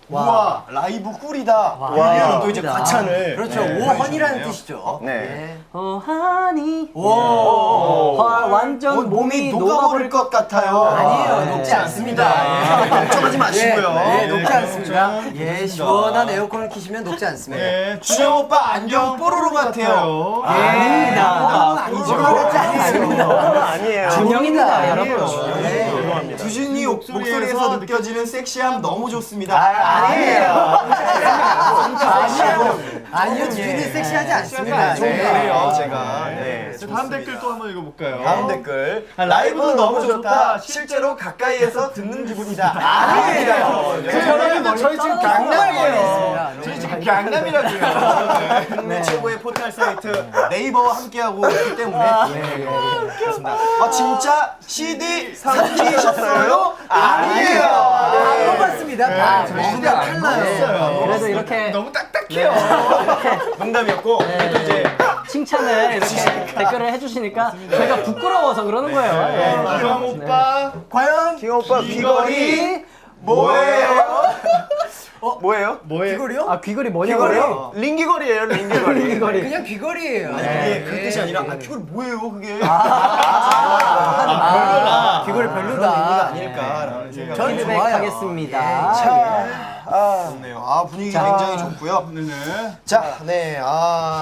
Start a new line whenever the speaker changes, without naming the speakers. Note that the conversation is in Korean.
와, 라이브 꿀이다. 이런 또 이제 과찬을.
그렇죠. 오헌이라는 뜻이죠.
네.
하니.
오.
완전
몸이 녹아버릴 것 같아요.
아니에요. 녹지 않습니다.
걱정하지 마시고요.
네, 녹지 않습니다.
걱정
예, 시원한 에어컨을 키시면 녹지 않습니다.
네, 준영 오빠 안경 뽀로로 같아요.
아닙니다. 뽀로로 같지 않습니다.
아니에요.
준영입니다, 여러분.
네.
두준이 목소리에서 느껴지는 섹시함 너무 좋습니다.
아니에요. 아니요, 주준이 섹시하지 않습니다.
좀
네.
그래요, 제가. 네.
다음 댓글 또 한번 읽어볼까요?
다음 댓글. 라이브는 너무 좋다. 실제로 가까이에서 듣는 기분이다. 아니에요.
그러면 저희 지금 강남이에요.
저희
지금 강남이라고요.
국내 최고의 포털 사이트 네이버와 함께하고 있기 때문에 그렇습니다. 아 진짜 CD 삼키셨어요? 아니에요.
안 봤습니다.
진짜 안 나왔어요.
그래도 이렇게
너무 딱딱해요.
농담이었고 그래도 이제
칭찬을 이렇게 댓글을 해주시니까 저희가 부끄러워서 그러는 거예요.
기영 오빠.
과연
기영 오빠
귀걸이
뭐예요? 뭐예요?
뭐예요?
귀걸이요?
아 귀걸이 뭐냐고요?
링귀걸이에요, 링귀걸이.
귀걸이.
그냥 귀걸이에요.
아니 그게 그 뜻이 아니라 귀걸이 뭐예요, 그게?
별로다. 귀걸이
그런
별로다.
의미가 아닐까라는 생각이
전 좋아요.
하겠습니다.
좋네요. 아 분위기 굉장히 좋고요.
네네.
자, 네,